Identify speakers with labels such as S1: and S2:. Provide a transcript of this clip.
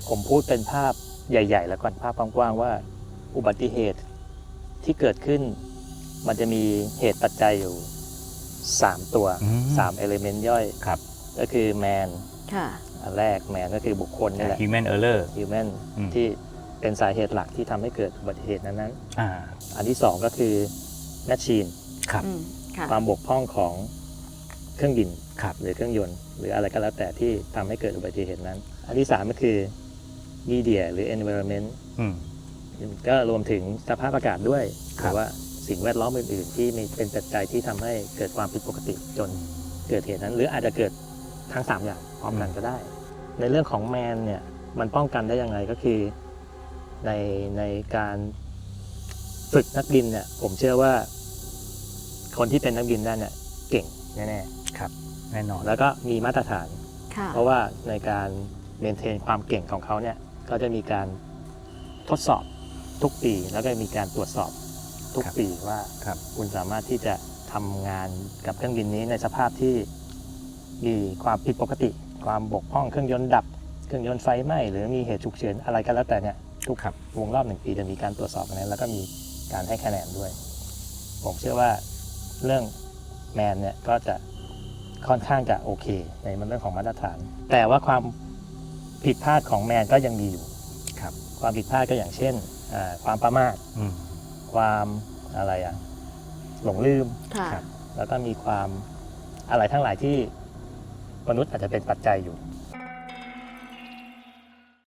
S1: ผมพูดเป็นภาพใหญ่ๆแล้วก่อนภาพกว้างๆว่าอุบัติเหตุที่เกิดขึ้นมันจะมีเหตุปัจจัยอยู่3ตัว3เอลิเมนต์ย่อย
S2: ครับ
S1: ก็คือแมน
S3: ค่ะ
S1: อันแรกแมนก็คือบุคคลนี่แหละ
S2: human error
S1: human ที่เป็นสาเหตุหลักที่ทำให้เกิดอุบัติเหตุนั้น
S2: อ่า
S1: ๆอันที่2ก็คือ machine
S2: ครับ
S3: ค่ะ
S1: ความบกพร่องของเครื่องบิน
S2: ครับ
S1: หรือเครื่องยนต์หรืออะไรก็แล้วแต่ที่ทำให้เกิดอุบัติเหตุนั้น อันที่3ก็คือ media หรือ environment
S2: อืม
S1: ก็รวมถึงสภาพอากาศด้วยห
S2: ครั
S1: รื
S2: บ
S1: อว่าสิ่งแวดล้อมอื่นๆ ที่มีเป็นปัจจัยที่ทำให้เกิดความผิดปกติจนเกิดเหตุนั้น หรืออาจจะเกิดทั้ง3อย่างพร้อมกันก็ได้ ในเรื่องของแมนเนี่ยมันป้องกันได้ยังไงก็คือในการฝึกนักบินเนี่ยผมเชื่อว่าคนที่เป็นนักบินได้เนี่ยเก่งแน่
S2: ครับแน่นอน
S1: ๆแล้วก็มีมาตรฐาน
S3: ค่ะ
S1: เพราะว่าในการเมนเทนความเก่งของเขาเนี่ยก็จะมีการทดสอบทุกปี แล้วก็มีการตรวจสอบทุกปีว่า
S2: ครับ
S1: คุณสามารถที่จะทำงานกับเครื่องบินนี้ในสภาพที่มีความผิดปกติ ความบกพร่องเครื่องยนต์ดับเครื่องยนต์ไฟไหม้หรือมีเหตุฉุกเฉินอะไรก็แล้วแต่เนี่ยทุก
S2: ครับ
S1: วงรอบ1 ปีจะมีการตรวจสอบอันนั้นแล้วก็มีการให้คะแนนด้วย ผมเชื่อว่าเรื่องแมนเนี่ยก็จะค่อนข้างจะโอเคในเรื่องของมาตรฐาน แต่ว่าความผิดพลาดของแมนก็ยังมีอยู่
S2: ครับ
S1: ความผิดพลาดก็อย่างเช่นความประมาท
S2: อืม
S1: ความอะไรหลงลืม
S3: ค่ะ
S2: ครับ
S1: แล้วก็มีความอะไรทั้งหลายที่มนุษย์อาจจะเป็นปัจจัยอยู่